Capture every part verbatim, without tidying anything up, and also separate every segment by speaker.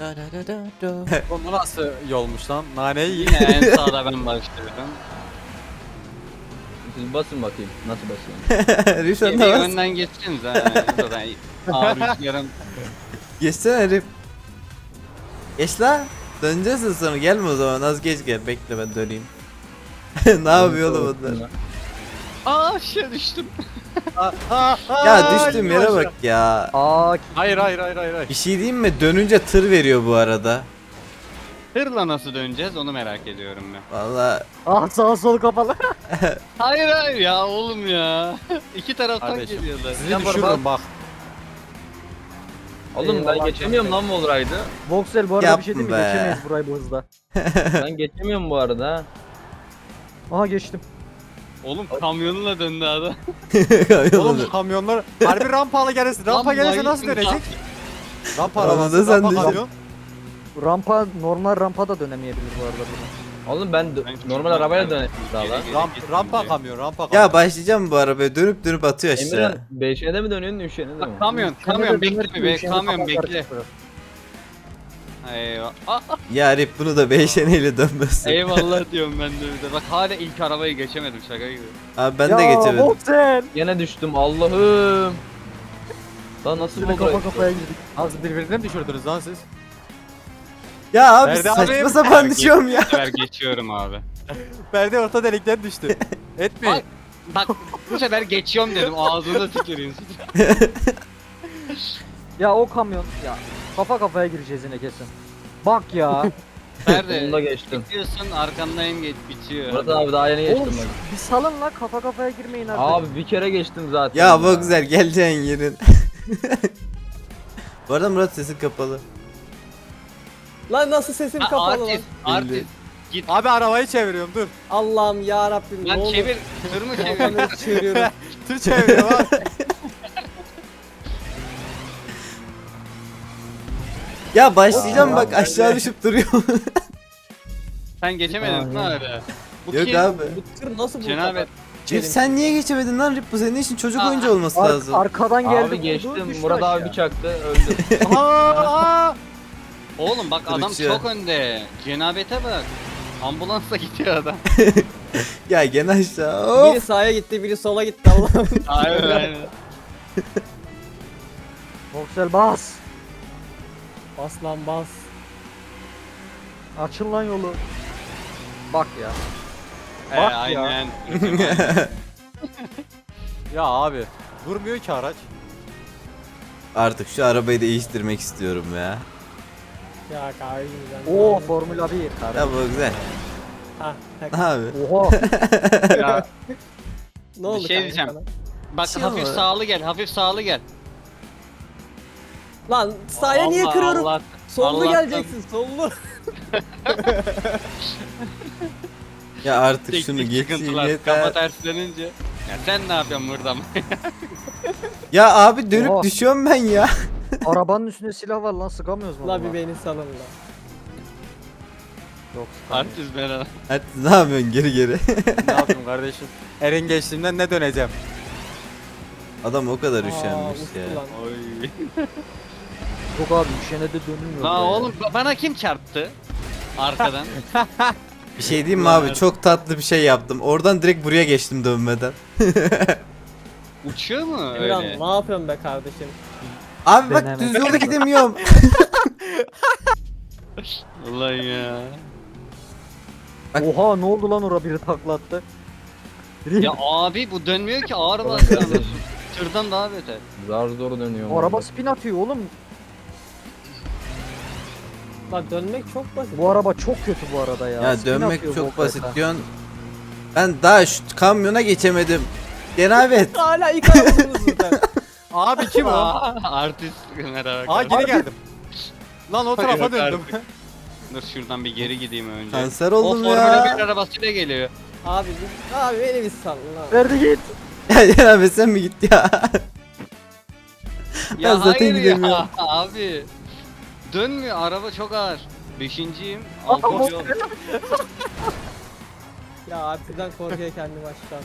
Speaker 1: Da da da da da.
Speaker 2: Bu nasıl yolmuş lan? Naneyi
Speaker 3: Yine en sağda ben başlıyorum.
Speaker 4: Siz basın bakayım. Nasıl basıyorsun?
Speaker 1: Rişan
Speaker 3: Bir
Speaker 1: da bas.
Speaker 3: önden geçsiniz ha. Zaten ağır rüzgarım.
Speaker 1: Geçsene Rif. Geç la. Döneceğiz sonra gelme o zaman az geç gel bekle ben döneyim. Ne yapıyor oğlum onlar?
Speaker 3: Aa aşağı düştüm.
Speaker 1: Ya düştüğüm yere bak ya.
Speaker 4: Aa,
Speaker 2: Hayır hayır hayır hayır. hayır.
Speaker 1: Bir şey diyeyim mi? Dönünce tır veriyor bu arada.
Speaker 3: Hırla nasıl döneceğiz onu merak ediyorum ben.
Speaker 1: Valla
Speaker 4: ah sağ sol kapalı.
Speaker 3: Hayır hayır ya oğlum ya. İki taraftan
Speaker 2: Kardeşim,
Speaker 3: geliyorlar.
Speaker 2: Sizi
Speaker 4: Yapar
Speaker 2: düşürürüm bak.
Speaker 4: Oğlum ben geçemiyorum lan bu oluraydı.
Speaker 5: Voxel bu arada bir şey
Speaker 1: Yapma
Speaker 5: değil mi?
Speaker 1: be.
Speaker 5: Geçemeyiz burayı bu hızda.
Speaker 4: Ben geçemiyorum bu arada.
Speaker 5: Aha geçtim.
Speaker 3: Oğlum kamyonla döndü adam.
Speaker 2: Oğlum kamyonlar harbi rampalı gelirsin. Rampa
Speaker 3: Lan
Speaker 2: gelirse
Speaker 3: vay
Speaker 2: nasıl
Speaker 3: be.
Speaker 2: dönecek? Rampa
Speaker 1: Ramada
Speaker 2: arabası,
Speaker 1: sen
Speaker 2: rampa
Speaker 1: düşün.
Speaker 2: kamyon.
Speaker 5: Rampa normal rampa da dönemeyebilir bu arada burada.
Speaker 4: Oğlum ben d- normal arabayla döneyim daha lan.
Speaker 2: Ramp, rampa kamyon, rampa kamyon.
Speaker 1: ya başlayacağım bu arabaya dönüp dönüp atıyor aşağı.
Speaker 4: Emirhan beşe mi dönüyorsun üçe de mi?
Speaker 3: Bak kamyon,
Speaker 5: Sen de
Speaker 3: kamyon
Speaker 5: dönersin,
Speaker 3: bekle be,
Speaker 5: üşüyen
Speaker 3: kamyon
Speaker 5: kafalar
Speaker 3: bekle.
Speaker 5: çıkıyor.
Speaker 3: Eyvah. Aa,
Speaker 1: Ya Rif bunu da beşeneyle dönmesin.
Speaker 3: eyvallah diyorum ben de bir de. Bak hala ilk arabayı geçemedim şaka gibi.
Speaker 1: Abi ben
Speaker 5: ya,
Speaker 1: de geçemedim.
Speaker 5: Voxel.
Speaker 4: Yine düştüm Allah'ım. Lan nasıl
Speaker 5: Yine
Speaker 4: bu
Speaker 5: kafa
Speaker 4: olay?
Speaker 5: kafaya girdik.
Speaker 2: Nasıl birbirine mi düşürdünüz lan siz?
Speaker 1: Ya abi
Speaker 2: Ferdi
Speaker 1: saçma
Speaker 2: abi-
Speaker 1: sapan düşüyorum ya.
Speaker 3: Bu sefer geçiyorum abi.
Speaker 2: Ferdi orta delikten düştü. Etmeyin.
Speaker 3: Ay. Bak bu sefer geçiyorum dedim ağzına tüküreyim.
Speaker 5: Ya o kamyon ya kafa kafaya gireceğiz yine kesin. Bak ya.
Speaker 3: Nerede?
Speaker 4: Sonunda geçtim.
Speaker 3: Geçiyorsun arkandayım geç bitiyor.
Speaker 4: Murat abi daha yeni geçtim
Speaker 5: Oğlum
Speaker 4: bak.
Speaker 5: bir salın la kafa kafaya girmeyin artık.
Speaker 4: Abi bir kere geçtim zaten.
Speaker 1: Ya bu güzel geleceğin yerin. Bu arada Murat sesin kapalı.
Speaker 6: Lan nasıl sesim
Speaker 3: Ha,
Speaker 6: kapalı lan?
Speaker 3: artist, artist. Git.
Speaker 2: Abi arabayı çeviriyorum dur.
Speaker 6: Allah'ım ya Rabbim ne
Speaker 3: Lan
Speaker 6: olur.
Speaker 3: çevir, tır mı çevir?
Speaker 6: Kafanı çeviriyorum.
Speaker 2: Tır çeviriyorum abi.
Speaker 1: Ya başlayacağım
Speaker 5: Aa,
Speaker 1: bak aşağı düşüp duruyor.
Speaker 3: Sen geçemedin mi öyle? Bu
Speaker 1: Yok
Speaker 3: kim?
Speaker 1: abi.
Speaker 6: Bu tır nasıl bu
Speaker 3: Cenab-ı
Speaker 6: kadar?
Speaker 1: Rif sen niye geçemedin lan Rif bu senin için çocuk
Speaker 3: Aa,
Speaker 1: oyuncu olması
Speaker 5: Ar-
Speaker 1: lazım.
Speaker 5: arkadan geldi.
Speaker 4: Abi
Speaker 5: vurdu,
Speaker 4: geçtim.
Speaker 5: düştü
Speaker 4: Murat abi
Speaker 5: aşağı.
Speaker 4: bir çaktı öldü.
Speaker 2: Aa!
Speaker 3: Oğlum bak adam
Speaker 1: Kırıkçı.
Speaker 3: çok önde. Cenabete bak. Ambulansla gidiyor adam.
Speaker 1: Ya gene aşağı.
Speaker 6: Biri
Speaker 1: Of.
Speaker 6: sağa gitti, biri sola gitti Allah'ım.
Speaker 3: Aynen aynen.
Speaker 5: Voxel bas.
Speaker 6: Bas lan bas.
Speaker 5: Açın lan yolu. Bak ya.
Speaker 3: Ee,
Speaker 5: Bak ya.
Speaker 3: aynen.
Speaker 2: Ya abi durmuyor ki araç.
Speaker 1: Artık şu arabayı değiştirmek istiyorum ya.
Speaker 6: Ya kardeşim sen.
Speaker 5: Oo Formula bir.
Speaker 1: Ya bu güzel.
Speaker 6: Ha, tak.
Speaker 1: Abi.
Speaker 5: Oha.
Speaker 3: Ya,
Speaker 6: Ne oldu
Speaker 3: bir şey
Speaker 6: kanka
Speaker 3: diyeceğim.
Speaker 6: sana?
Speaker 3: Bak
Speaker 1: Şey
Speaker 3: hafif
Speaker 1: ama-
Speaker 3: sağlı gel, hafif sağlı gel.
Speaker 6: Lan sağa niye
Speaker 3: Allah,
Speaker 6: kırıyorum?
Speaker 3: Allah.
Speaker 6: Sollu
Speaker 3: Allah'tan-
Speaker 6: geleceksin sollu.
Speaker 1: Ya artık
Speaker 3: Teknik
Speaker 1: şunu geçeyim
Speaker 3: sıkıntılar, Kafa
Speaker 1: yeter.
Speaker 3: terslenince. Ya sen ne yapıyorsun burada?
Speaker 1: Ya abi dönüp
Speaker 5: Oha.
Speaker 1: düşüyorum ben ya.
Speaker 5: Arabanın üstünde silah var lan sıkamıyoruz mu?
Speaker 6: La bir
Speaker 5: buna?
Speaker 6: beni salın la.
Speaker 5: Yok sıkamıyoruz.
Speaker 3: Artist ben.
Speaker 1: Hadi ne yapıyorsun geri geri.
Speaker 2: Ne yapayım kardeşim? Erin geçtiğimden ne döneceğim?
Speaker 1: Adam o kadar
Speaker 6: Aa,
Speaker 1: üşenmiş
Speaker 6: uçtu
Speaker 1: ya.
Speaker 6: lan.
Speaker 3: Oy.
Speaker 5: Yok abi üşene de dönülmüyor.
Speaker 3: La
Speaker 5: be.
Speaker 3: oğlum bana kim çarptı? Arkadan.
Speaker 1: Bir şey diyeyim mi abi çok tatlı bir şey yaptım. Oradan direkt buraya geçtim dönmeden.
Speaker 3: Uçuyor mu
Speaker 6: Emirhan
Speaker 3: öyle?
Speaker 6: ne yapıyorsun be kardeşim?
Speaker 1: Abi bak
Speaker 5: Denemedim.
Speaker 1: düz yolda gidemiyorum.
Speaker 3: Ulan ya.
Speaker 1: Bak-
Speaker 5: Oha ne oldu lan ora biri taklattı.
Speaker 3: Ya abi bu dönmüyor ki ağır basıyor. Tırdan daha beter.
Speaker 4: Zar zor dönüyor.
Speaker 5: O araba spin atıyor oğlum.
Speaker 6: Lan dönmek çok basit.
Speaker 5: Bu araba çok kötü bu arada ya.
Speaker 1: Ya
Speaker 5: Spin
Speaker 1: dönmek
Speaker 5: atıyor
Speaker 1: çok
Speaker 5: Volkswagen.
Speaker 1: basit diyorsun. Ben daha şu kamyona geçemedim. Cenabet.
Speaker 6: Hala ilk arabanımız burada.
Speaker 2: Abi kim o?
Speaker 3: Aa, artist merhaba.
Speaker 2: Aa geri geldim. Lan o tarafa
Speaker 3: Yok
Speaker 2: döndüm.
Speaker 3: artık. Dur şuradan bir geri gideyim önce.
Speaker 1: Kanser
Speaker 3: O
Speaker 1: oldum
Speaker 3: Formula bir
Speaker 1: ya.
Speaker 3: arabasıyla geliyor.
Speaker 6: Abi bir- abi beni bir salın lan.
Speaker 5: Verdi git.
Speaker 1: Ya Cenabet sen mi gitti ya?
Speaker 3: Ya
Speaker 1: zaten
Speaker 3: hayır
Speaker 1: gidemiyorum.
Speaker 3: ya abi. Dönmüyor araba çok ağır. Beşinciyim.
Speaker 5: Aa,
Speaker 3: Altı yol.
Speaker 6: Ya artıdan korkuyor kendim aşağı.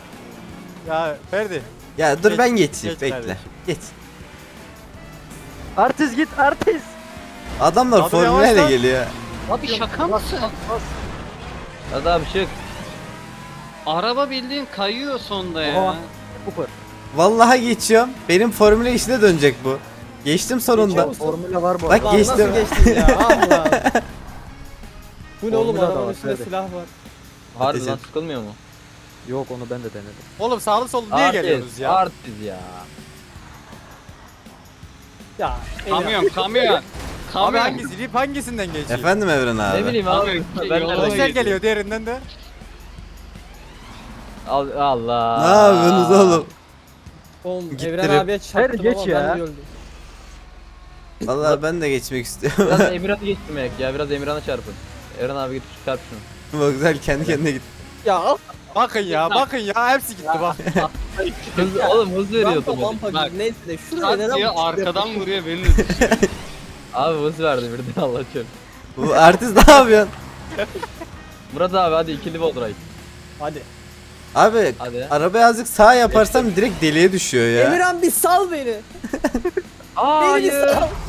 Speaker 2: Ya Ferdi.
Speaker 1: Ya dur
Speaker 2: Geç-
Speaker 1: ben geçeyim
Speaker 2: geç
Speaker 1: bekle.
Speaker 2: kardeşim.
Speaker 1: Geç.
Speaker 5: Artist git artist.
Speaker 1: Adamlar
Speaker 2: Abi
Speaker 1: formüleyle
Speaker 2: yavaş lan.
Speaker 1: geliyor.
Speaker 3: Abi şaka mısın?
Speaker 4: Hadi abi çık.
Speaker 3: Araba bildiğin kayıyor sonda ya.
Speaker 5: Oha. Cooper.
Speaker 1: Vallahi geçiyorum. Benim formüle işine dönecek bu. Geçtim sonunda.
Speaker 6: Geçiyor musun?
Speaker 5: Formüle var bu
Speaker 1: Bak,
Speaker 5: arada.
Speaker 6: Lan
Speaker 1: geçtim.
Speaker 6: nasıl geçtin ya? Ah lan. Bu ne oğlum,
Speaker 5: Formula da
Speaker 6: arabanın
Speaker 5: var,
Speaker 6: üstünde
Speaker 5: hadi.
Speaker 6: silah var.
Speaker 4: Harbi
Speaker 1: Ateş
Speaker 4: lan
Speaker 1: et.
Speaker 4: sıkılmıyor mu?
Speaker 5: Yok onu ben de denedim.
Speaker 2: Oğlum sağlı sollu niye geliyorsunuz ya?
Speaker 4: Artist ya.
Speaker 6: Ya. Emirhan.
Speaker 3: Kamyon kamyon.
Speaker 2: Abi
Speaker 3: Kamyon.
Speaker 2: hangisi? Rip hangisinden geçiyor?
Speaker 1: Efendim Evren abi.
Speaker 4: Ne bileyim abi.
Speaker 3: Abi,
Speaker 4: Ben
Speaker 3: yola
Speaker 4: de
Speaker 2: Özel
Speaker 3: geliyor.
Speaker 2: geliyor diğerinden de.
Speaker 4: Al- Allah.
Speaker 1: Ne yapıyorsunuz oğlum?
Speaker 6: Oğlum
Speaker 1: Gitti
Speaker 6: Evren
Speaker 1: rip.
Speaker 6: abiye çarptım
Speaker 5: geç
Speaker 6: ama
Speaker 5: ya.
Speaker 6: ben de öldüm.
Speaker 1: Vallahi ben de geçmek istiyorum.
Speaker 4: Biraz Emirhan'ı geçtirmek ya. Biraz Emirhan'a çarpın. Eren abi git çarp şunu.
Speaker 1: Bak güzel kendi kendine git.
Speaker 6: Ya al.
Speaker 2: Bakın ya bakın ya hepsi gitti bak.
Speaker 4: Hızlı, oğlum hız veriyor
Speaker 6: Rampa
Speaker 4: otomatik.
Speaker 6: mampa
Speaker 3: Bak.
Speaker 6: gibi neyse de şuraya
Speaker 3: Tat
Speaker 6: neden
Speaker 3: diye
Speaker 6: bu-
Speaker 3: arkadan vuruyor beni de düşüyor.
Speaker 4: Abi hız verdi birden Allah çarp.
Speaker 1: Bu artist ne yapıyorsun?
Speaker 4: Murat abi hadi ikili bol drive.
Speaker 6: Hadi.
Speaker 1: Abi
Speaker 4: Hadi.
Speaker 1: arabayı azıcık sağa yaparsam direkt deliğe düşüyor ya.
Speaker 6: Emirhan bir sal beni.
Speaker 4: Aa,
Speaker 6: Beni bir
Speaker 4: hayır.
Speaker 6: sal.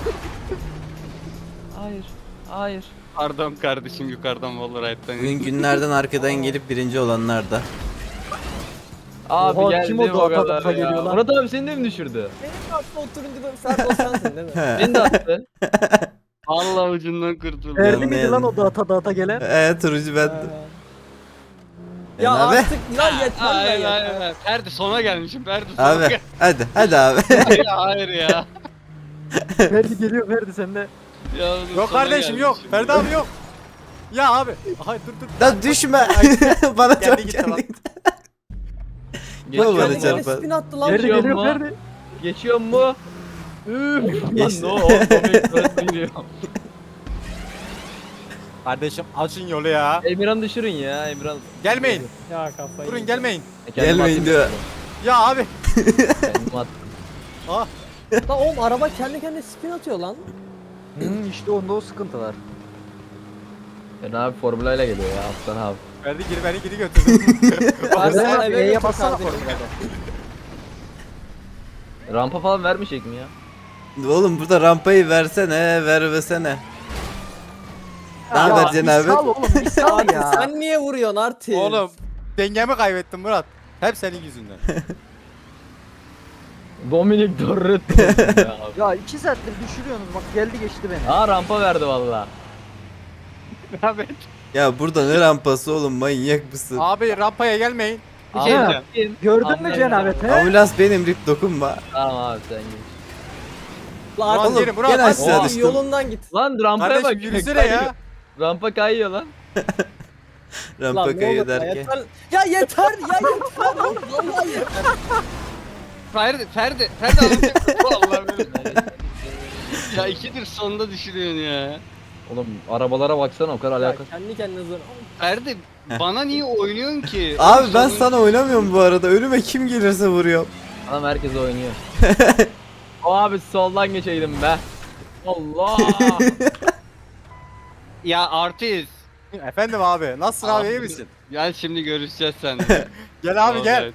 Speaker 4: Hayır. Hayır.
Speaker 3: Pardon kardeşim yukarıdan Wallride'den.
Speaker 1: Bugün günlerden arkadan gelip birinci olanlar da.
Speaker 4: Abi
Speaker 5: Oha,
Speaker 4: geldi
Speaker 5: kim o da
Speaker 4: o
Speaker 5: ata
Speaker 4: kadar
Speaker 5: ata
Speaker 4: ya.
Speaker 5: geliyor lan?
Speaker 4: Murat abi seni de mi düşürdü?
Speaker 6: Benim aklı oturunca da sen o sensin değil mi?
Speaker 1: He.
Speaker 4: Beni de attı.
Speaker 3: Allah ucundan kurtuldum.
Speaker 1: Evet.
Speaker 5: Erdi miydi lan o dağıta dağıta gelen?
Speaker 1: Eee turuncu ben.
Speaker 6: Ha. Ya
Speaker 1: abi.
Speaker 6: artık lan yeter lan
Speaker 3: Hayır
Speaker 6: yeter.
Speaker 3: hayır hayır. Ferdi sona gelmişim. Ferdi sona
Speaker 1: Abi
Speaker 3: gel.
Speaker 1: hadi hadi abi.
Speaker 3: Hayır, hayır ya.
Speaker 5: Ferdi geliyor Ferdi sen de.
Speaker 3: Ya
Speaker 2: Yok
Speaker 3: sona
Speaker 2: kardeşim yok.
Speaker 3: gelmişim.
Speaker 2: Ferdi abi yok. Ya abi. Ay dur dur.
Speaker 1: Da düşme. Bana
Speaker 2: Kendi
Speaker 1: çok
Speaker 2: gitti
Speaker 1: kendi
Speaker 2: lan.
Speaker 1: gitti.
Speaker 4: Geçiyor
Speaker 1: bana
Speaker 6: Kendi
Speaker 4: mu?
Speaker 1: çarp-
Speaker 6: kendine spin attı lan.
Speaker 5: Ferdi
Speaker 4: Geçiyor
Speaker 5: geliyor
Speaker 4: mu?
Speaker 5: Ferdi.
Speaker 4: Geçiyor mu? Üf.
Speaker 1: Geçti.
Speaker 4: Lan no, o komik geliyor.
Speaker 2: Kardeşim açın yolu ya.
Speaker 4: Emirhan düşürün ya Emirhan.
Speaker 2: Gelmeyin.
Speaker 6: Ya kafayı.
Speaker 2: Durun gelmeyin.
Speaker 4: Kendim
Speaker 1: Gelmeyin
Speaker 4: attım.
Speaker 1: diyor.
Speaker 2: Ya abi.
Speaker 4: Kendim attım.
Speaker 2: Ah.
Speaker 6: Lan oğlum araba kendi kendine spin atıyor lan.
Speaker 5: Hmm, işte onda o sıkıntı var.
Speaker 4: Ben abi formülayla geliyor ya Aslan abi.
Speaker 2: Ferdi geri beni geri götürdü.
Speaker 6: Abi
Speaker 5: Sen
Speaker 6: sen
Speaker 5: abi,
Speaker 6: eve
Speaker 5: E'ye
Speaker 6: götür
Speaker 5: bassana
Speaker 6: kardeşim.
Speaker 5: formülada.
Speaker 4: Rampa falan vermeyecek mi ya?
Speaker 1: Oğlum burada rampayı versene, vermesene. Ne
Speaker 5: Ya,
Speaker 1: vereceksin
Speaker 5: bir
Speaker 1: abi?
Speaker 5: Sal oğlum bir sal
Speaker 6: Artık
Speaker 5: ya.
Speaker 6: sen niye vuruyorsun artık?
Speaker 2: Oğlum dengemi kaybettim Murat. Hep senin yüzünden.
Speaker 4: Dominik Dorretto ya.
Speaker 5: Ya iki saattir düşürüyorsunuz bak geldi geçti beni.
Speaker 4: Aa rampa verdi valla.
Speaker 3: Abi
Speaker 1: Ya burada ne rampası oğlum, manyak mısın?
Speaker 2: Abi rampaya gelmeyin.
Speaker 3: bir şey
Speaker 5: Ha.
Speaker 3: diyeceğim.
Speaker 5: Gördün mü
Speaker 4: Anladım.
Speaker 5: cenabeti?
Speaker 1: Ambulans benim, Rip dokunma.
Speaker 4: Tamam abi sen git.
Speaker 6: Lan
Speaker 2: Murat
Speaker 6: artık
Speaker 1: Oğlum,
Speaker 2: geri Murat.
Speaker 1: gene
Speaker 2: hadi.
Speaker 1: aşağı
Speaker 6: Oğlum,
Speaker 1: düştüm.
Speaker 6: yolundan git.
Speaker 4: Lan rampaya bak.
Speaker 2: Kardeşim yürüsene
Speaker 4: kayıyor.
Speaker 2: ya.
Speaker 4: Rampa kayıyor lan.
Speaker 6: Lan
Speaker 1: Rampa
Speaker 6: ne
Speaker 1: kayıyor
Speaker 6: olur ya,
Speaker 1: derken.
Speaker 6: yeter. Ya yeter ya yeter. Oğlum, Vallahi yeter.
Speaker 3: Ferdi Ferdi Ferdi alacak. Vallahi böyle. Ya ikidir sonunda düşürüyorsun ya.
Speaker 4: Oğlum arabalara baksana o kadar
Speaker 6: Ya
Speaker 4: alakası.
Speaker 6: kendi kendine zor.
Speaker 3: Ferdi bana niye oynuyorsun ki?
Speaker 1: Abi ben
Speaker 3: Sonun-
Speaker 1: sana oynamıyorum bu arada. Önüme kim gelirse vuruyor.
Speaker 4: Adam herkes oynuyor. O abi soldan geçeydim be. Allah.
Speaker 3: Ya artist.
Speaker 2: Efendim abi. Nasılsın abi, iyi misin?
Speaker 3: Gel şimdi görüşeceğiz seninle.
Speaker 2: Gel abi gel.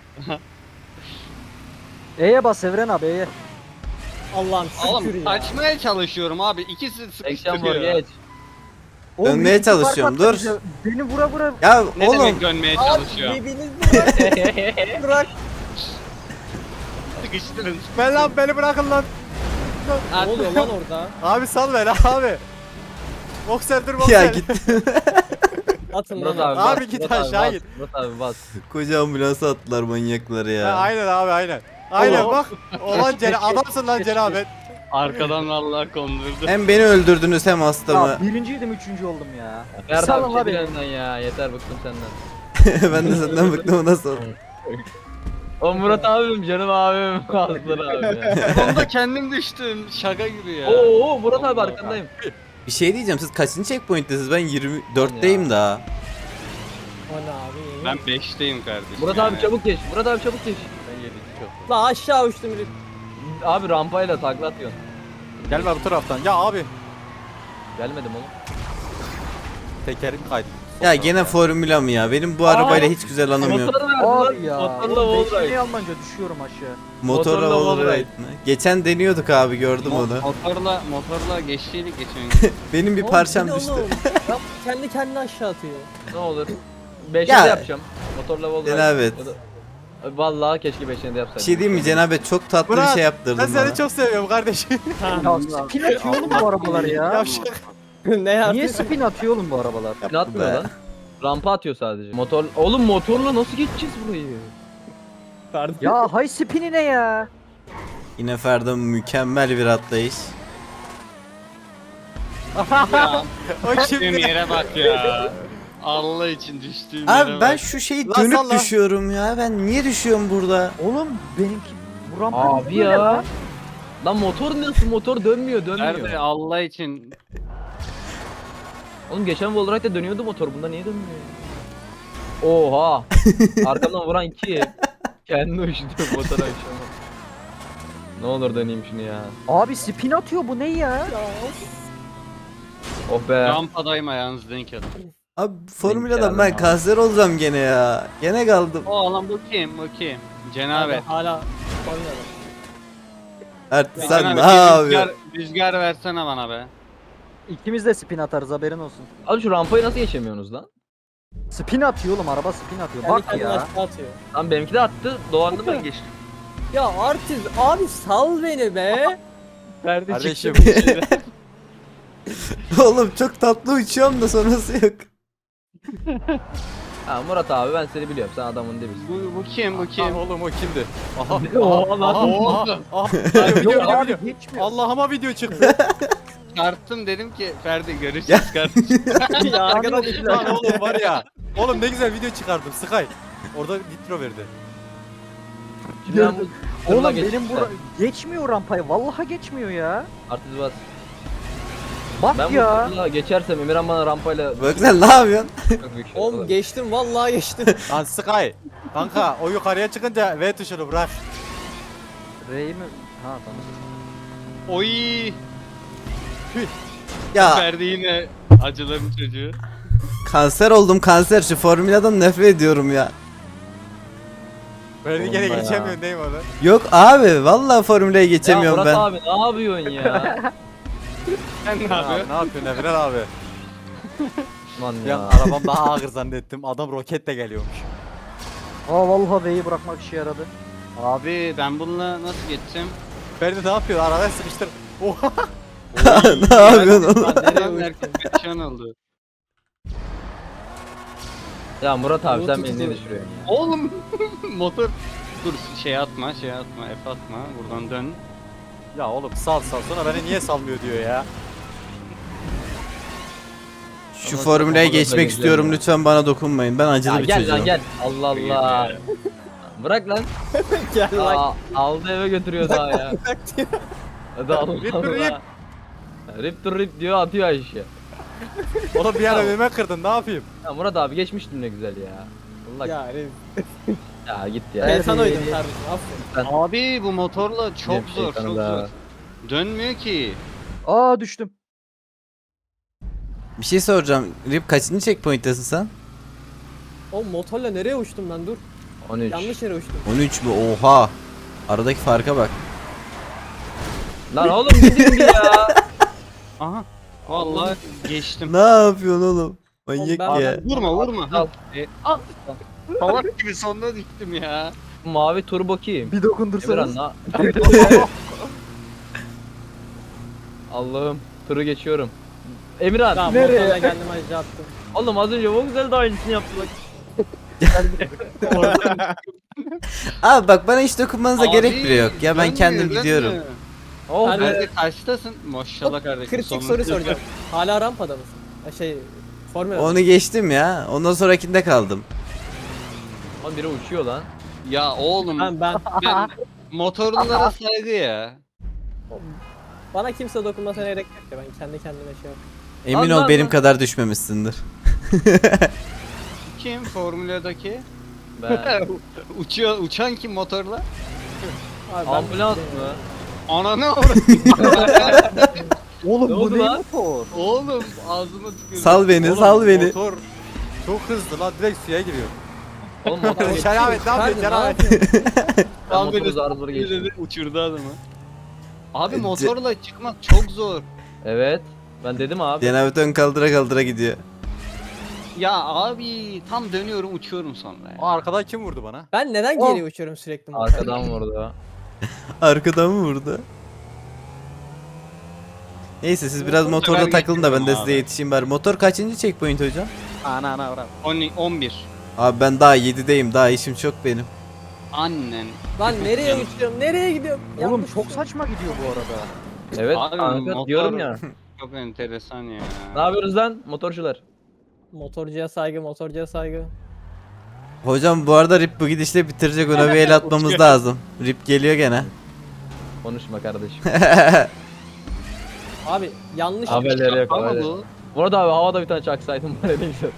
Speaker 5: E'ye bas Evren abi E'ye.
Speaker 6: Allah'ım şükür
Speaker 3: Oğlum
Speaker 6: ya.
Speaker 3: açmaya çalışıyorum abi. İkisi
Speaker 4: Ekşen var
Speaker 3: sıkıştırıyor.
Speaker 4: geç.
Speaker 5: Oğlum,
Speaker 1: Dönmeye
Speaker 5: iki fark
Speaker 1: çalışıyorum,
Speaker 5: attı
Speaker 1: dur.
Speaker 5: bize. Beni vura vura.
Speaker 1: Ya
Speaker 3: Ne
Speaker 1: oğlum
Speaker 3: demek dönmeye
Speaker 6: Abi
Speaker 3: çalışıyor?
Speaker 6: birbirinizi bırak. bırak.
Speaker 3: Sıkıştırın.
Speaker 2: Ben lan beni bırakın lan.
Speaker 6: Ne oluyor lan orada?
Speaker 2: Abi sal beni abi. Boxer dur boxer.
Speaker 1: ya git.
Speaker 6: Atın
Speaker 4: Murat
Speaker 6: lan.
Speaker 4: abi,
Speaker 2: Abi
Speaker 4: bas,
Speaker 2: git
Speaker 4: Murat abi
Speaker 2: aşağı
Speaker 4: bas,
Speaker 2: git.
Speaker 4: Murat abi bas.
Speaker 1: Koca ambulansa attılar manyakları
Speaker 2: Ha,
Speaker 1: ya.
Speaker 2: aynen abi aynen. Aynen
Speaker 5: Oğlum.
Speaker 2: bak. Olan cene adamsın lan cenabet.
Speaker 3: Arkadan vallahi kondurdu.
Speaker 1: Hem beni öldürdünüz hem hastamı.
Speaker 5: Ya birinciydim üçüncü oldum ya.
Speaker 4: Ferdi
Speaker 5: Salın
Speaker 4: abi
Speaker 5: abi.
Speaker 4: çekil önünden ya. Yeter bıktım senden.
Speaker 1: Ben de senden bıktım, o nasıl oldu?
Speaker 4: O Murat abim canım abim. Aslan abi ya.
Speaker 3: Sonunda kendim düştüm. Şaka gibi ya.
Speaker 4: Oo Murat abi
Speaker 3: Allah.
Speaker 4: arkandayım.
Speaker 1: Bir şey diyeceğim, siz kaçıncı checkpoint'tesiniz? Ben yirmi dörtteyim daha.
Speaker 6: O ne abi?
Speaker 3: Ben beşteyim kardeşim.
Speaker 4: Murat
Speaker 3: yani.
Speaker 4: abi çabuk geç. Murat abi çabuk geç.
Speaker 3: Ben yedim çok.
Speaker 6: La aşağı uçtum herif.
Speaker 4: Abi rampayla takla atıyorsun.
Speaker 2: Gelme bu taraftan. Ya abi.
Speaker 4: Gelmedim oğlum.
Speaker 2: Tekerim kaydı.
Speaker 1: Ya gene formüla mı ya? Benim bu arabayla hiç güzel anım yok.
Speaker 4: Motoru verdi
Speaker 5: Abi
Speaker 4: lan.
Speaker 5: ya.
Speaker 4: Motorla
Speaker 5: Oğlum
Speaker 4: wall
Speaker 5: beşinci
Speaker 4: ride.
Speaker 5: almanca düşüyorum aşağı.
Speaker 1: Motora
Speaker 4: Motorla
Speaker 1: all
Speaker 4: wall
Speaker 1: right mi? Geçen deniyorduk abi, gördüm
Speaker 3: Mo-
Speaker 1: onu.
Speaker 3: Motorla motorla geçtiydik geçen gün.
Speaker 1: Benim bir
Speaker 6: Oğlum,
Speaker 1: parçam
Speaker 6: bu ne
Speaker 1: düştü.
Speaker 6: oğlum? Ya kendi kendine aşağı atıyor.
Speaker 4: Ne olur. beşe
Speaker 1: Ya.
Speaker 4: de yapacağım. Motorla wall ride.
Speaker 1: Cenabet.
Speaker 4: Ya da- Vallahi keşke beşine de
Speaker 1: Bir
Speaker 4: yapsaydım.
Speaker 1: şey diyeyim mi Cenabet, çok tatlı bir
Speaker 2: Murat,
Speaker 1: şey
Speaker 2: Ben
Speaker 1: yaptırdın
Speaker 2: seni
Speaker 1: bana.
Speaker 2: çok seviyorum kardeşim.
Speaker 5: Ya spin atıyor oğlum bu arabalar ya.
Speaker 2: Yavşak.
Speaker 6: ne yaptı?
Speaker 5: Niye spin atıyor oğlum bu arabalar?
Speaker 4: Ne atmıyor
Speaker 1: be.
Speaker 4: lan? Rampa atıyor sadece. Motor oğlum motorla nasıl geçeceğiz burayı?
Speaker 6: Ferdi.
Speaker 5: Ya hay spini ne ya?
Speaker 1: Yine Ferda mükemmel bir atlayış.
Speaker 3: Ya
Speaker 2: O
Speaker 3: düştüğüm
Speaker 2: kimdi?
Speaker 3: yere bak ya. Allah için düştüğüm yere
Speaker 1: Abi ben
Speaker 3: bak.
Speaker 1: şu şeyi
Speaker 2: Lan
Speaker 1: dönüp
Speaker 2: salla.
Speaker 1: düşüyorum ya. Ben niye düşüyorum burada?
Speaker 5: Oğlum benimki bu rampa
Speaker 4: Abi
Speaker 5: böyle
Speaker 4: ya.
Speaker 5: lan.
Speaker 4: Lan motor nasıl? Motor dönmüyor, dönmüyor.
Speaker 3: Nerede Allah için.
Speaker 4: Oğlum geçen wall ride'de dönüyordu motor. Bunda niye dönmüyor? Oha. Arkamdan vuran iki. Kendi uçtu motor aşağı. Ne olur döneyim şunu ya.
Speaker 5: Abi spin atıyor bu ne ya?
Speaker 6: Ya, of.
Speaker 4: Oh be.
Speaker 3: Rampadayım ayağınızı denk alın.
Speaker 1: Abi formüladan
Speaker 4: geldim
Speaker 1: ben
Speaker 4: abi.
Speaker 1: kanser olacağım gene ya. Gene kaldım.
Speaker 3: Oğlum bu kim bu kim? Cenabet.
Speaker 6: Hala Formula'da.
Speaker 1: Artık
Speaker 3: Ya
Speaker 1: sen
Speaker 3: Cenabet,
Speaker 1: ne
Speaker 3: bir
Speaker 1: yapıyorsun?
Speaker 3: Rüzgar, rüzgar versene bana be.
Speaker 5: İkimiz de spin atarız haberin olsun.
Speaker 4: Abi şu rampayı nasıl geçemiyorsunuz lan?
Speaker 5: Spin atıyor oğlum araba spin atıyor.
Speaker 6: Kendi
Speaker 5: Bak
Speaker 6: kendine
Speaker 5: ya.
Speaker 6: aşağı atıyor.
Speaker 4: Lan benimki de attı. Doğan'da ben geçtim.
Speaker 6: Ya artist abi sal beni be.
Speaker 4: Ferdi
Speaker 2: Kardeşim.
Speaker 1: Oğlum çok tatlı uçuyorum da sonrası yok.
Speaker 4: Ha Murat abi ben seni biliyorum. Sen adamın dibisin.
Speaker 3: Bu, bu kim bu
Speaker 2: Kim?
Speaker 3: kim?
Speaker 2: Oğlum o kimdi? Aha.
Speaker 4: Oha lan.
Speaker 2: Aha.
Speaker 3: Oğlum.
Speaker 2: Aha. Video,
Speaker 5: Yok
Speaker 2: video,
Speaker 5: abi
Speaker 2: video.
Speaker 5: geçmiyor.
Speaker 2: Allah'ıma video çıktı.
Speaker 3: Çarptım dedim ki Ferdi görüşürüz kardeşim.
Speaker 6: ya arkadan
Speaker 2: Lan oğlum var ya. Oğlum ne güzel video çıkardım. Sky. Orada nitro verdi.
Speaker 4: Şimdi ben bu
Speaker 5: Oğlum
Speaker 4: tırla
Speaker 5: benim
Speaker 4: geçtim
Speaker 5: bura geçmiyor rampayı. Vallahi geçmiyor ya.
Speaker 4: Artist bas.
Speaker 5: Bak
Speaker 4: Ben
Speaker 5: ya.
Speaker 4: bu tırla geçersem Emirhan bana rampayla
Speaker 1: Bak sen ne yapıyorsun?
Speaker 4: çok büyük şey
Speaker 6: Oğlum
Speaker 4: olur.
Speaker 6: geçtim vallahi geçtim.
Speaker 2: Lan Sky. Kanka o yukarıya çıkınca V tuşunu bırak.
Speaker 5: Rey mi? Ha tamam.
Speaker 3: Oy.
Speaker 1: Ya
Speaker 3: Ferdi yine acıların çocuğu.
Speaker 1: kanser oldum kanser, şu formüladan nefret ediyorum ya.
Speaker 2: Böyle gene
Speaker 4: Oğlum ya.
Speaker 2: geçemiyorsun değil mi onu?
Speaker 1: Yok abi vallahi formülaya
Speaker 4: Ya
Speaker 1: geçemiyorum
Speaker 4: Murat
Speaker 1: ben.
Speaker 4: abi ne yapıyorsun ya?
Speaker 3: Sen ne
Speaker 2: Abi,
Speaker 3: yapıyorsun?
Speaker 2: ne yapıyorsun Emre abi?
Speaker 4: Lan
Speaker 2: Ya
Speaker 4: ya.
Speaker 2: arabam daha ağır zannettim. Adam roketle geliyormuş.
Speaker 5: Aa vallahi V'yi bırakmak işe yaradı.
Speaker 3: Abi ben bununla nasıl geçeceğim?
Speaker 2: Ferdi ne yapıyor? Arabaya sıkıştır. Oha.
Speaker 1: Ne yapıyorsun oğlum?
Speaker 3: Nereye herkes perişan oldu.
Speaker 4: Ya Murat abi sen
Speaker 6: Murat'ı
Speaker 4: beni niye
Speaker 6: tutuyor.
Speaker 4: düşürüyorsun ya?
Speaker 3: Oğlum motor dur şey atma şey atma F atma buradan dön.
Speaker 2: Ya oğlum sal sal sonra beni niye salmıyor diyor ya.
Speaker 1: Şu
Speaker 4: Ama
Speaker 1: formülaya
Speaker 4: çok
Speaker 1: geçmek
Speaker 4: güzel
Speaker 1: istiyorum,
Speaker 4: ya.
Speaker 1: lütfen bana dokunmayın. Ben acılı
Speaker 4: Ya
Speaker 1: bir
Speaker 4: gel
Speaker 1: çocuğum.
Speaker 4: lan gel. Allah Allah. Bırak lan.
Speaker 6: Gel lan.
Speaker 4: Aa, aldı eve götürüyor daha ya. Hadi Allah
Speaker 2: Rip
Speaker 4: Allah.
Speaker 2: rip.
Speaker 4: Rip to rip diyor atıyor aşağı.
Speaker 2: Oğlum bir ara önüme kırdın ne yapayım?
Speaker 4: Ya Murat abi geçmiştim ne güzel ya. Allah ya,
Speaker 6: Ya
Speaker 4: git ya.
Speaker 6: ben sana uydum kardeşim aferin.
Speaker 3: Abi bu motorla çok
Speaker 4: Bir şey
Speaker 3: zor çok
Speaker 4: kanada.
Speaker 3: zor. Dönmüyor ki.
Speaker 5: Aa düştüm.
Speaker 1: Bir şey soracağım. Rip kaçıncı checkpoint'tesin sen?
Speaker 6: O motorla nereye uçtum ben dur.
Speaker 4: on üç.
Speaker 6: Yanlış yere uçtum.
Speaker 1: on üç mü? Oha. Aradaki farka bak.
Speaker 4: Lan oğlum gidin bir ya.
Speaker 3: Aha. Vallahi geçtim.
Speaker 1: Ne yapıyorsun oğlum? Manyak
Speaker 6: Oğlum ben-
Speaker 1: ya.
Speaker 3: Vurma vurma.
Speaker 4: Al.
Speaker 3: E, al. Salak gibi sonuna düştüm ya.
Speaker 4: Mavi turbo kim?
Speaker 5: Bir dokundursanız.
Speaker 4: Emirhan la. Allah'ım turu geçiyorum. Emirhan.
Speaker 6: Tamam
Speaker 5: Nereye?
Speaker 6: motorla geldim aşağı attım.
Speaker 4: Oğlum az önce çok güzel de aynısını yaptılar.
Speaker 1: Abi bak bana hiç dokunmanıza
Speaker 3: Abi,
Speaker 1: gerek bile yok. Ya ben
Speaker 3: dönmüyor,
Speaker 1: kendim
Speaker 3: dönmüyor.
Speaker 1: gidiyorum.
Speaker 4: Oh
Speaker 6: Hadi.
Speaker 4: be.
Speaker 3: Ferdi kaçtasın? Maşallah kardeşim.
Speaker 6: Kritik
Speaker 3: sonunda-
Speaker 6: soru soracağım. Hala rampada mısın? Ha, Şey Formula.
Speaker 1: Onu geçtim ya. Ondan sonrakinde kaldım.
Speaker 4: Lan biri uçuyor lan.
Speaker 3: Ya oğlum
Speaker 6: Ben ben
Speaker 3: ben motorlulara saygı ya.
Speaker 6: bana kimse dokunmasına gerek yok ya ben kendi kendime şey yapıyorum.
Speaker 1: Emin
Speaker 4: Allah
Speaker 1: ol benim
Speaker 4: Allah.
Speaker 1: kadar düşmemişsindir.
Speaker 3: Kim Formula'daki?
Speaker 4: Ben.
Speaker 3: Uçuyor uçan kim motorla?
Speaker 6: Abi ben-
Speaker 4: Ambulans mı?
Speaker 3: Ananı orası.
Speaker 5: Oğlum
Speaker 4: Ne
Speaker 5: bu
Speaker 4: oldu
Speaker 5: ne
Speaker 4: lan?
Speaker 5: motor?
Speaker 3: Oğlum ağzıma tükürdüm.
Speaker 1: Sal beni,
Speaker 2: Oğlum,
Speaker 1: sal beni.
Speaker 2: Motor Çok hızlı lan direkt suya giriyor.
Speaker 4: Oğlum motor geç.
Speaker 2: Şeravet ne yapıyorsun
Speaker 6: Ferdi, ne
Speaker 2: Şeravet?
Speaker 6: yapıyorsun?
Speaker 4: Ben motoru zar zor geçtim.
Speaker 3: Dedi, uçurdu adamı. Abi
Speaker 1: Ce-
Speaker 3: motorla çıkmak çok zor.
Speaker 4: Evet. Ben dedim abi.
Speaker 1: Cenabet ön kaldıra kaldıra gidiyor.
Speaker 3: Ya abi tam dönüyorum uçuyorum sonra ya.
Speaker 2: O arkadan kim vurdu bana?
Speaker 6: Ben neden
Speaker 5: Oh.
Speaker 6: geri uçuyorum sürekli?
Speaker 4: Arkadan vurdu.
Speaker 1: Arkadan mı vurdu? Neyse siz biraz
Speaker 3: Motor
Speaker 1: motorla
Speaker 3: sever
Speaker 1: takılın da ben de
Speaker 3: getiriyorum
Speaker 1: size
Speaker 3: abi.
Speaker 1: yetişeyim bari. Motor kaçıncı checkpoint hocam?
Speaker 2: Ana ana bravo.
Speaker 3: on, on bir.
Speaker 1: Abi ben daha yedideyim. Daha işim çok benim.
Speaker 3: Annen.
Speaker 6: Lan nereye uçuyorum? Nereye gidiyorum?
Speaker 5: Oğlum
Speaker 6: Yanlış
Speaker 5: çok
Speaker 6: uçuyorum.
Speaker 5: saçma gidiyor bu arada.
Speaker 4: Evet
Speaker 3: Abi,
Speaker 4: kanka
Speaker 3: motor-
Speaker 4: diyorum ya.
Speaker 3: Çok enteresan ya.
Speaker 4: Ne yapıyoruz lan motorcular?
Speaker 6: Motorcuya saygı, motorcuya saygı.
Speaker 1: Hocam bu arada Rip bu gidişle bitirecek, ona bir el atmamız lazım. Rip geliyor gene.
Speaker 4: Konuşma kardeşim.
Speaker 6: Abi yanlış.
Speaker 4: Haberleri yok.
Speaker 3: Ama
Speaker 4: haberleri.
Speaker 3: bu
Speaker 4: Bu arada abi havada bir tane çaksaydım var ya ne güzel.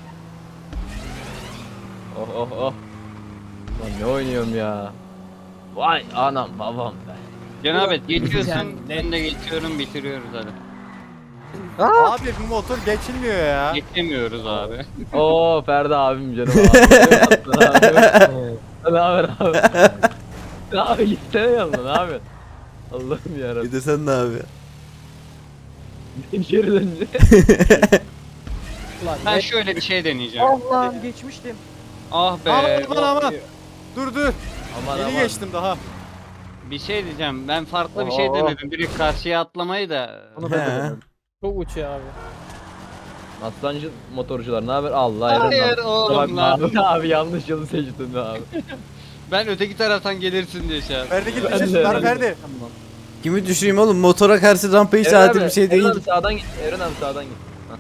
Speaker 4: Oh oh oh. Lan ne oynuyorum ya. Vay anam babam be.
Speaker 3: Cenabet geçiyorsun
Speaker 6: Yani-
Speaker 3: ben de geçiyorum bitiriyoruz hadi.
Speaker 5: Aa!
Speaker 2: Abi bu motor geçilmiyor ya.
Speaker 3: Geçemiyoruz abi.
Speaker 4: Oo Ferdi abim canım abi. Ne haber abi? Ne abi gitsene yanına ne yapıyorsun? Allah'ım yarabbim.
Speaker 1: Bir de sen ne yapıyorsun?
Speaker 4: Geri dönünce.
Speaker 6: Ulan
Speaker 3: Ben
Speaker 6: ne-
Speaker 3: şöyle bir şey deneyeceğim.
Speaker 5: Allah'ım geçmiştim.
Speaker 3: Ah be.
Speaker 2: Aman aman aman. Dur dur.
Speaker 4: Aman
Speaker 2: Yeni
Speaker 4: aman.
Speaker 2: geçtim daha.
Speaker 3: Bir şey diyeceğim. Ben farklı bir şey
Speaker 5: Oo.
Speaker 3: denedim. Direkt karşıya atlamayı da.
Speaker 5: Bunu ben de
Speaker 1: He.
Speaker 5: denedim.
Speaker 6: Çok uçuyor abi.
Speaker 4: Aslancı motorcular ne haber? Allah
Speaker 3: Hayır
Speaker 4: Eren abi.
Speaker 3: oğlum
Speaker 4: Bak
Speaker 3: lan.
Speaker 4: abi, abi yanlış yolu seçtin abi.
Speaker 3: Ben öteki taraftan gelirsin diye şey yaptım.
Speaker 2: Ferdi git
Speaker 4: Ben
Speaker 2: düşürsün
Speaker 4: de-
Speaker 2: lan Ferdi.
Speaker 1: Kimi düşüreyim oğlum? Motora karşı rampa hiç
Speaker 4: Eren
Speaker 1: adil
Speaker 4: abi,
Speaker 1: bir şey
Speaker 4: Eren
Speaker 1: değil.
Speaker 4: abi sağdan git. Eren abi sağdan git. Hah.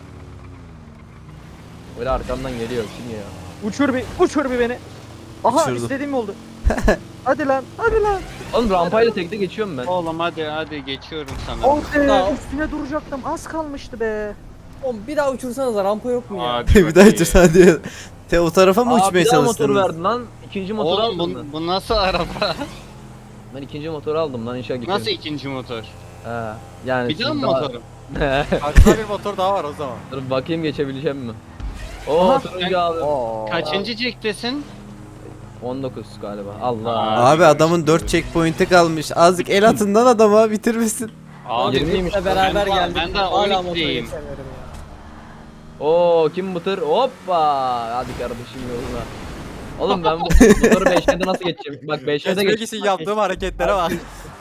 Speaker 4: Böyle arkamdan geliyor kim ya?
Speaker 5: Uçur bir, uçur bir beni. Aha
Speaker 1: Uçurdum.
Speaker 5: istediğim oldu. Hadi lan, hadi lan.
Speaker 4: Oğlum rampayla tekte geçiyorum ben.
Speaker 3: Oğlum hadi hadi geçiyorum sana.
Speaker 5: Oh be,
Speaker 6: Sağ ol.
Speaker 5: üstüne duracaktım. Az kalmıştı be.
Speaker 6: Oğlum bir daha uçursanız rampa yok mu ya?
Speaker 3: Hadi
Speaker 1: Bir daha
Speaker 3: bakayım.
Speaker 1: uçursan diyor. Te o tarafa mı
Speaker 4: Aa,
Speaker 1: uçmaya
Speaker 4: bir daha motor
Speaker 1: çalıştınız?
Speaker 4: verdin lan. İkinci motor
Speaker 3: Oğlum
Speaker 4: aldım
Speaker 3: bu,
Speaker 4: ben.
Speaker 3: bu nasıl araba?
Speaker 4: Ben ikinci motor aldım lan inşallah gidiyorum.
Speaker 3: Nasıl ikinci motor?
Speaker 4: He. Yani
Speaker 3: Bir daha
Speaker 4: siz
Speaker 3: mı motorum?
Speaker 2: Arkada bir motor daha var o zaman.
Speaker 4: Dur bakayım geçebileceğim mi? Oo
Speaker 5: Aha.
Speaker 4: turuncu abi.
Speaker 5: Oo.
Speaker 3: Kaçıncı çektesin?
Speaker 4: on dokuz galiba. Allah.
Speaker 3: Aa.
Speaker 1: Abi adamın dört checkpoint'i kalmış. Azıcık el atından adama bitirmişsin.
Speaker 3: Abi
Speaker 4: yirmiymiş.
Speaker 6: Bizle beraber
Speaker 3: Ben daha-
Speaker 6: geldik.
Speaker 3: ben daha
Speaker 6: Hala
Speaker 3: on
Speaker 6: motora
Speaker 3: ikideyim.
Speaker 6: geçemiyorum ya.
Speaker 4: Oo kim bu tır? Hoppa. Hadi kardeşim yoluna. Oğlum ben bu motoru beşlerde nasıl geçeceğim? Bak beşlerde
Speaker 2: Geçmek
Speaker 4: geç.
Speaker 2: için yaptığım hareketlere bak.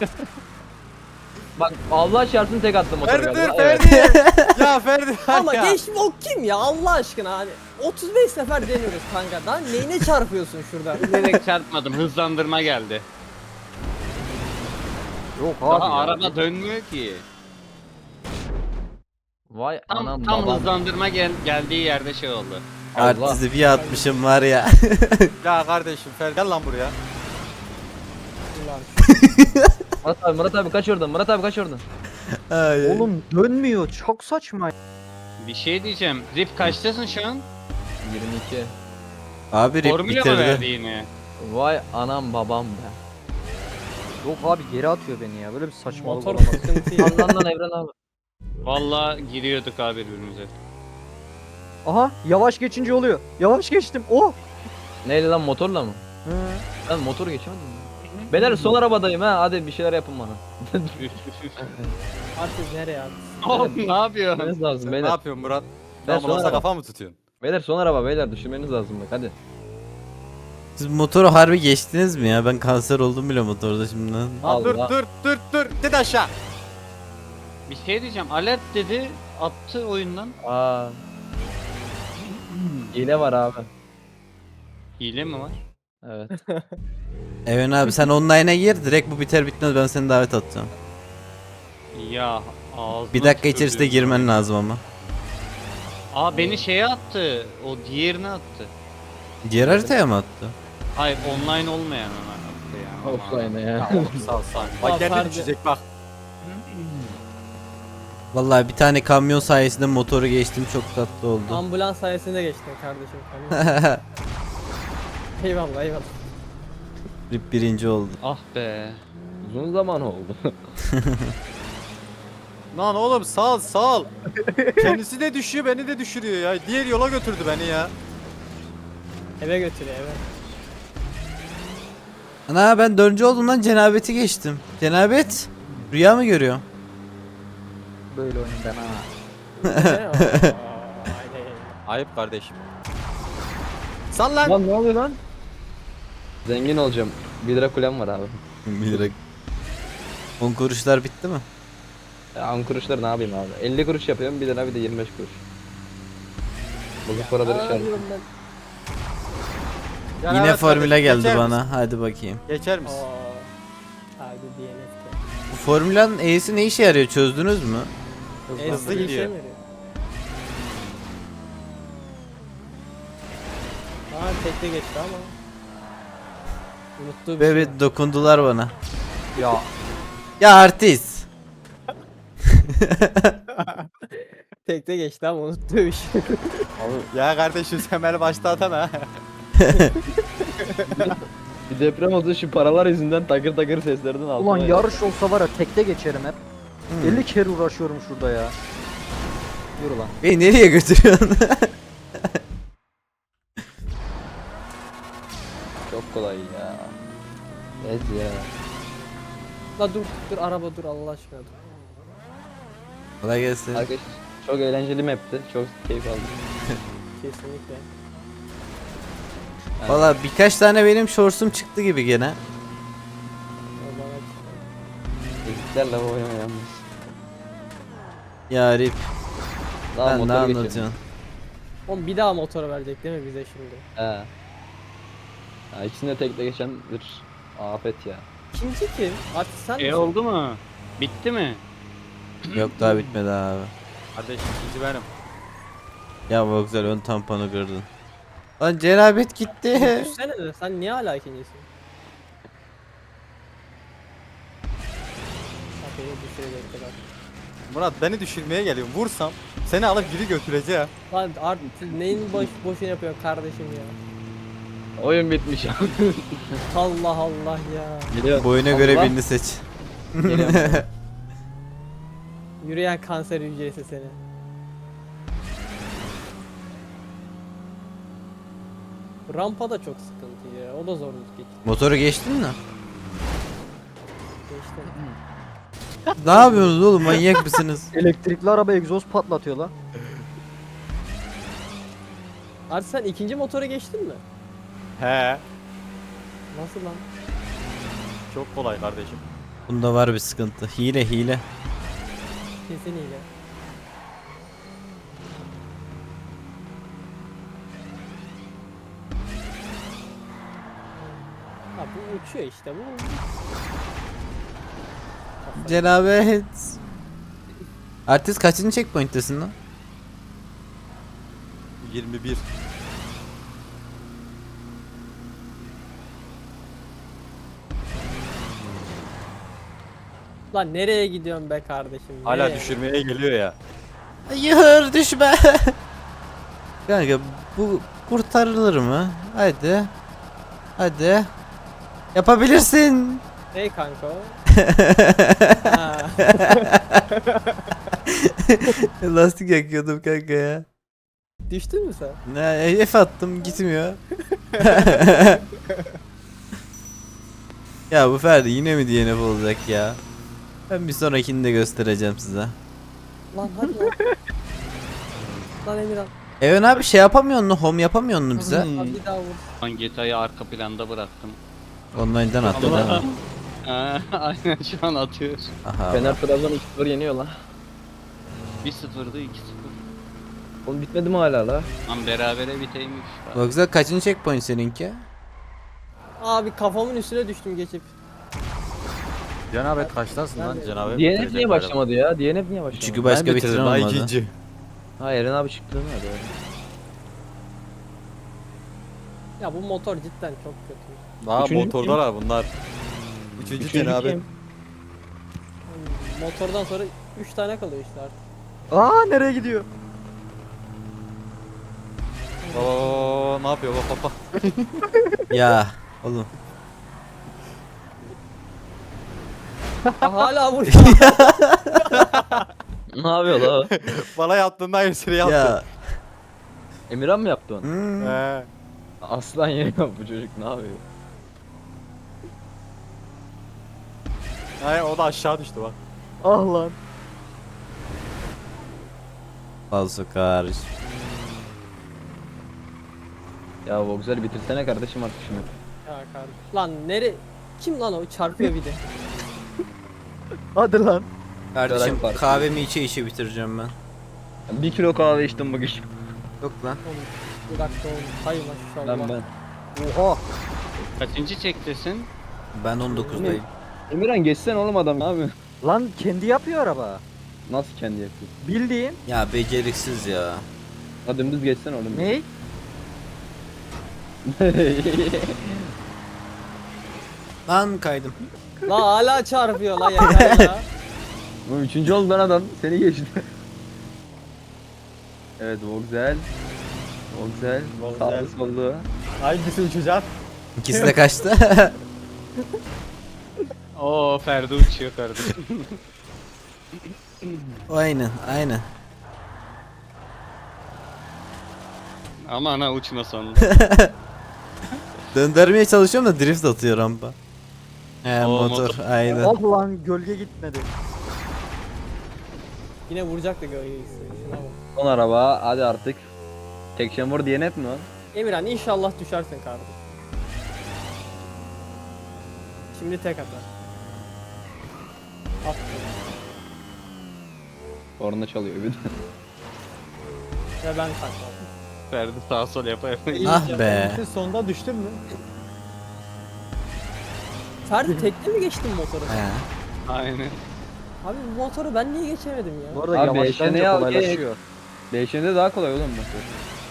Speaker 4: Bak Allah çarpsın tek attım motoru
Speaker 2: Ferdi
Speaker 4: galiba.
Speaker 2: dur
Speaker 4: Evet.
Speaker 2: Ferdi. Ya Ferdi.
Speaker 6: Ama
Speaker 2: ya.
Speaker 6: geçtim o kim ya Allah aşkına hani otuz beş sefer deniyoruz kanka. Lan neyine çarpıyorsun şurada?
Speaker 3: Direkt çarpmadım. Hızlandırma geldi.
Speaker 5: Yok abi
Speaker 3: Daha
Speaker 5: ya.
Speaker 3: araba dönmüyor ki.
Speaker 4: Vay
Speaker 3: Tam,
Speaker 4: anam
Speaker 3: tam
Speaker 4: babam.
Speaker 3: hızlandırma gel, geldiği yerde şey oldu.
Speaker 4: Allah.
Speaker 1: Artisti bir atmışım var ya.
Speaker 2: Ya kardeşim Ferdi gel lan buraya.
Speaker 6: Ulan
Speaker 4: Murat abi Murat abi kaç oradan Murat abi kaç oradan.
Speaker 1: Ay, ay.
Speaker 5: Oğlum dönmüyor. Çok saçma.
Speaker 3: Bir şey diyeceğim. Rip kaçtasın şu an?
Speaker 4: yirmi iki.
Speaker 1: Abi Rip
Speaker 3: Formula mı verdi
Speaker 1: bitirdi.
Speaker 3: yine?
Speaker 4: Vay anam babam be.
Speaker 5: Yok abi geri atıyor beni ya. Böyle bir saçmalık
Speaker 6: motor
Speaker 5: olamaz.
Speaker 6: sıkıntı ya.
Speaker 4: Lan lan Evren abi.
Speaker 3: Valla giriyorduk abi birbirimize.
Speaker 5: Aha yavaş geçince oluyor. Yavaş geçtim. Oh.
Speaker 4: Neyle lan motorla mı?
Speaker 5: Hı.
Speaker 4: Ben motoru geçemedim mi? Beyler son arabadayım ha hadi bir şeyler yapın bana.
Speaker 6: Artık nereye abi?
Speaker 3: Oğlum ne yapıyorsun?
Speaker 4: Düşürmeniz lazım
Speaker 2: Ne
Speaker 4: beyler.
Speaker 2: yapıyorsun Murat?
Speaker 4: Ben
Speaker 2: Ben
Speaker 4: sonra
Speaker 2: Murat'a
Speaker 4: bak.
Speaker 2: kafa mı tutuyorsun?
Speaker 4: Beyler son araba beyler düşürmeniz lazım bak hadi.
Speaker 1: Siz motoru harbi geçtiniz mi ya? Ben kanser oldum bile motorda şimdiden.
Speaker 2: Lan dur
Speaker 4: Allah.
Speaker 2: dur dur dur. Dedi aşağı.
Speaker 3: Bir şey diyeceğim. Alert dedi. Attı oyundan.
Speaker 4: Aa. Hile var abi.
Speaker 3: Hile mi var?
Speaker 4: Evet.
Speaker 1: Evren abi sen online'a gir, direkt bu biter bitmez ben seni davet atacağım.
Speaker 3: Ya ağzına
Speaker 1: Bir dakika içerisinde
Speaker 3: tükürdüğüm
Speaker 1: girmen
Speaker 3: oyun.
Speaker 1: lazım ama.
Speaker 3: Aa beni şeye attı. O diğerine attı.
Speaker 1: Diğer haritaya mı attı?
Speaker 3: Hayır online olmayan ona attı ya.
Speaker 4: Offline ya.
Speaker 2: Ya oğlum sağ ol sağ ol.
Speaker 6: Aa,
Speaker 2: Bak kendi
Speaker 6: Ferdi.
Speaker 2: düşecek bak.
Speaker 1: Vallahi bir tane kamyon sayesinde motoru geçtim, çok tatlı oldu.
Speaker 6: Ambulans sayesinde geçtin kardeşim. Kamyon. Eyvallah eyvallah.
Speaker 1: Rip birinci oldu.
Speaker 3: Ah be.
Speaker 4: Uzun zaman oldu.
Speaker 2: Lan oğlum sağ ol sağ ol. Kendisi de düşüyor beni de düşürüyor ya. Diğer yola götürdü beni ya.
Speaker 6: Eve götürüyor eve.
Speaker 1: Ana ben dördüncü olduğumdan cenabeti geçtim. Cenabet rüya mı görüyor?
Speaker 5: Böyle oyun ben ha.
Speaker 6: Ne o? Aynen.
Speaker 2: Ayıp kardeşim. Sal lan.
Speaker 4: Lan ne oluyor lan? Zengin olacağım. bir lira kulem var abi.
Speaker 1: bir lira. on kuruşlar bitti mi?
Speaker 4: Ya on kuruşları ne yapayım abi? elli kuruş yapıyorum bir lira bir de yirmi beş kuruş. Bozuk paraları
Speaker 6: Aa,
Speaker 4: işaret.
Speaker 6: diyorum ben.
Speaker 2: Yani
Speaker 1: Yine
Speaker 2: evet
Speaker 1: formüle
Speaker 2: kardeşim,
Speaker 1: geldi
Speaker 2: geçer
Speaker 1: bana.
Speaker 2: misin?
Speaker 1: Hadi bakayım.
Speaker 2: Geçer misin?
Speaker 6: Oo. Hadi D N F.
Speaker 1: Bu formülün E'si ne işe yarıyor çözdünüz mü?
Speaker 6: En
Speaker 2: hızlı
Speaker 6: hızlı
Speaker 2: gidiyor.
Speaker 6: gidiyor. Aa tekte geçti ama. Unuttuğu bir
Speaker 1: Ve
Speaker 6: şey.
Speaker 1: bir dokundular bana.
Speaker 2: Ya.
Speaker 1: Ya artist.
Speaker 6: Tekte geçti ama unuttuğu bir şey.
Speaker 2: Ya kardeşim sen beni başta atan ha.
Speaker 4: Bir deprem oldu şu paralar yüzünden takır takır seslerden aldım.
Speaker 5: Ulan yarış olsa var ya tekte geçerim hep.
Speaker 1: Hmm.
Speaker 5: elli kere uğraşıyorum şurada ya. Yürü lan.
Speaker 1: Beni nereye götürüyorsun?
Speaker 4: Çok kolay ya. Ez ya.
Speaker 6: La dur dur araba dur Allah aşkına dur.
Speaker 1: Kolay gelsin.
Speaker 4: Arkadaşlar çok eğlenceli map'ti. Çok keyif aldım.
Speaker 6: Kesinlikle.
Speaker 1: Valla birkaç tane benim shorts'um çıktı gibi gene.
Speaker 6: O bana çıktı.
Speaker 4: Eziklerle oynama yalnız.
Speaker 1: Ya Rip.
Speaker 4: Daha
Speaker 1: Sen ne
Speaker 4: motora geçelim.
Speaker 1: anlatıyorsun?
Speaker 6: Oğlum bir daha motor verecek değil mi bize şimdi?
Speaker 4: He. Ya ikisinde tekte geçen bir afet ya.
Speaker 6: İkinci kim? Artık sen
Speaker 3: E
Speaker 6: misin?
Speaker 3: oldu mu? Bitti mi?
Speaker 1: Yok daha bitmedi abi.
Speaker 2: Kardeşim ikinci benim.
Speaker 1: Ya bu güzel ön tamponu kırdın. Lan cenabet gitti.
Speaker 6: Düşsene de sen niye hala ikincisin? Bak beni düşürecekti bak.
Speaker 2: Murat beni düşürmeye geliyor. Vursam seni alıp geri götüreceğim.
Speaker 6: Lan artık neyin boş boşuna yapıyorsun kardeşim ya?
Speaker 4: Oyun bitmiş ya.
Speaker 6: Allah Allah ya.
Speaker 4: Geliyor.
Speaker 1: Boyuna göre
Speaker 4: Allah.
Speaker 1: birini seç.
Speaker 4: Geliyorum.
Speaker 6: Yürüyen kanser hücresi seni. Rampa da çok sıkıntı ya. O da zorluk geçti.
Speaker 1: Motoru geçtin mi?
Speaker 6: Geçti.
Speaker 1: Ne yapıyorsunuz oğlum manyak mısınız?
Speaker 5: Elektrikli araba egzoz patlatıyor lan.
Speaker 6: Artık sen ikinci motora geçtin mi?
Speaker 2: He.
Speaker 6: Nasıl lan?
Speaker 2: Çok kolay kardeşim.
Speaker 1: Bunda var bir sıkıntı. Hile hile.
Speaker 6: Kesin hile. Ha bu uçuyor işte bu.
Speaker 1: Cenabet. Artist kaçıncı checkpoint'tesin lan?
Speaker 2: yirmi bir.
Speaker 6: Lan nereye gidiyorsun be kardeşim?
Speaker 2: Hala
Speaker 6: nereye?
Speaker 2: düşürmeye geliyor ya.
Speaker 1: Hayır düşme. Kanka bu kurtarılır mı? Hadi. Hadi. Yapabilirsin.
Speaker 6: Hey kanka o. Ha.
Speaker 1: Lastik yakıyordum kanka ya.
Speaker 6: Düştün mü sen?
Speaker 1: Ne F attım gitmiyor. Ya bu Ferdi yine mi D N F olacak ya? Ben bir sonrakini de göstereceğim size.
Speaker 6: Lan hadi lan. Lan Emirhan.
Speaker 1: Evet abi şey yapamıyor mu? Home yapamıyor mu bize?
Speaker 6: Abi bir daha vur.
Speaker 3: Ben G T A'yı arka planda bıraktım.
Speaker 1: Online'dan attı değil mi?
Speaker 3: Ha, aynen şu an atıyor.
Speaker 1: Aha.
Speaker 4: Fener Trabzon iki sıfır yeniyor lan.
Speaker 3: bir sıfırdı iki sıfır.
Speaker 4: Oğlum bitmedi mi hala la?
Speaker 3: Lan berabere biteymiş.
Speaker 1: Bak güzel kaçıncı checkpoint seninki?
Speaker 6: Abi kafamın üstüne düştüm geçip.
Speaker 2: Cenabet kaçtasın lan
Speaker 6: Ben de-
Speaker 2: cenabet?
Speaker 4: D N F
Speaker 2: bitirecek
Speaker 4: niye
Speaker 2: galiba.
Speaker 4: başlamadı ya? D N F niye başlamadı?
Speaker 1: Çünkü başka
Speaker 2: Ben
Speaker 1: bitiren
Speaker 2: bitirdim, daha
Speaker 1: olmadı.
Speaker 2: ikinci.
Speaker 4: Ha Eren abi çıktı mı hadi.
Speaker 6: Ya bu motor cidden çok kötü.
Speaker 2: Daha
Speaker 4: Üçüncü
Speaker 2: motordalar bunlar. Üçüncü,
Speaker 4: Üçüncü
Speaker 2: cenabet.
Speaker 4: kim?
Speaker 6: Motordan sonra üç tane kalıyor işte artık.
Speaker 5: Aa nereye gidiyor?
Speaker 2: Oo ne yapıyor bak bak bak.
Speaker 1: Ya oğlum.
Speaker 6: Ha, hala vuruyor.
Speaker 4: Ne yapıyor la o?
Speaker 2: Bana yaptığında aynısını yaptı.
Speaker 1: Ya.
Speaker 4: Emirhan mı yaptı onu?
Speaker 1: Hmm.
Speaker 2: He.
Speaker 4: Aslan yeniyor bu çocuk, ne yapıyor?
Speaker 2: He, o da aşağı düştü bak.
Speaker 5: Ah lan.
Speaker 1: Fazla karış.
Speaker 4: Ya Voxel bitirsene kardeşim artık şunu.
Speaker 6: Ya kardeşim. Lan nere? Kim lan o çarpıyor bir de.
Speaker 5: Hadi lan.
Speaker 1: Kardeşim
Speaker 4: Garaj
Speaker 1: kahvemi içe içe bitireceğim ben.
Speaker 4: Bir kilo kahve içtim bugün.
Speaker 1: Yok lan.
Speaker 6: Oğlum, bir dakika oğlum. Hay maşallah.
Speaker 4: Ben ben.
Speaker 5: Oha.
Speaker 3: Kaçıncı çektesin?
Speaker 1: Ben on dokuzdayım.
Speaker 4: Emirhan geçsen oğlum adam, ne yapıyorsun?
Speaker 5: Lan kendi yapıyor araba.
Speaker 4: Nasıl kendi yapıyor?
Speaker 5: Bildiğin.
Speaker 1: Ya beceriksiz ya.
Speaker 4: Ha dümdüz geçsen oğlum.
Speaker 5: Ne?
Speaker 1: Lan kaydım.
Speaker 6: La hala çarpıyor la yeter ya.
Speaker 4: Bu üçüncü oldu lan adam. Seni geçti. Evet Voxel. Voxel.
Speaker 2: Voxel.
Speaker 4: Sağlı sollu.
Speaker 2: Hangisi uçacak?
Speaker 1: İkisi de kaçtı.
Speaker 3: Oo Ferdi uçuyor kardeşim.
Speaker 1: Aynen aynen.
Speaker 3: Aman ha uçma sonunda.
Speaker 1: Döndürmeye çalışıyorum da drift atıyor rampa. He
Speaker 3: Oo,
Speaker 1: motor,
Speaker 3: motor.
Speaker 1: aynen.
Speaker 5: Ah lan gölge gitmedi.
Speaker 6: Yine vuracak da gölgeyi. Şuna bak.
Speaker 4: Son araba hadi artık. Tek şamur diyen hep mi o?
Speaker 6: Emirhan inşallah düşersin kardeşim. Şimdi tek atar. Aferin.
Speaker 4: Orada çalıyor bir de.
Speaker 6: Ve ben takladım.
Speaker 3: Ferdi sağ sol yapa yapa.
Speaker 1: Ah be.
Speaker 2: Sonunda düştün mü?
Speaker 6: Ferdi tekne mi geçtin motoru?
Speaker 1: He.
Speaker 3: Aynen.
Speaker 6: Abi bu motoru ben niye geçemedim ya?
Speaker 5: Bu arada
Speaker 4: Abi
Speaker 5: yavaşlayınca
Speaker 4: eşeğine al,
Speaker 5: kolaylaşıyor.
Speaker 4: Değişende daha kolay oğlum motor.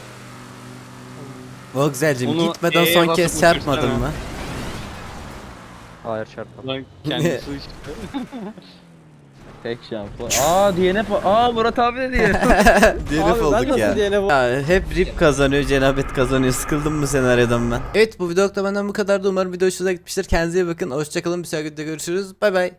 Speaker 1: Voxel'cim
Speaker 3: Onu
Speaker 1: gitmeden
Speaker 3: E'ye
Speaker 1: son
Speaker 3: basıp
Speaker 1: kez çarpmadın
Speaker 3: uçursana.
Speaker 1: mı?
Speaker 5: Hayır çarpmadı.
Speaker 3: Lan kendisi uçtu.
Speaker 4: Tek şampu. Aa D N F. Aa Murat abi de diye.
Speaker 1: D N F
Speaker 6: Abi ben
Speaker 1: olduk
Speaker 6: nasıl
Speaker 1: ya.
Speaker 6: D N F
Speaker 1: Ya hep rip kazanıyor, cenabet kazanıyor. Sıkıldım bu senaryodan ben. Evet bu video da benden bu kadardı. Umarım video hoşunuza gitmiştir. Kendinize iyi bakın. Hoşçakalın. Bir sonraki videoda görüşürüz. Bay bay.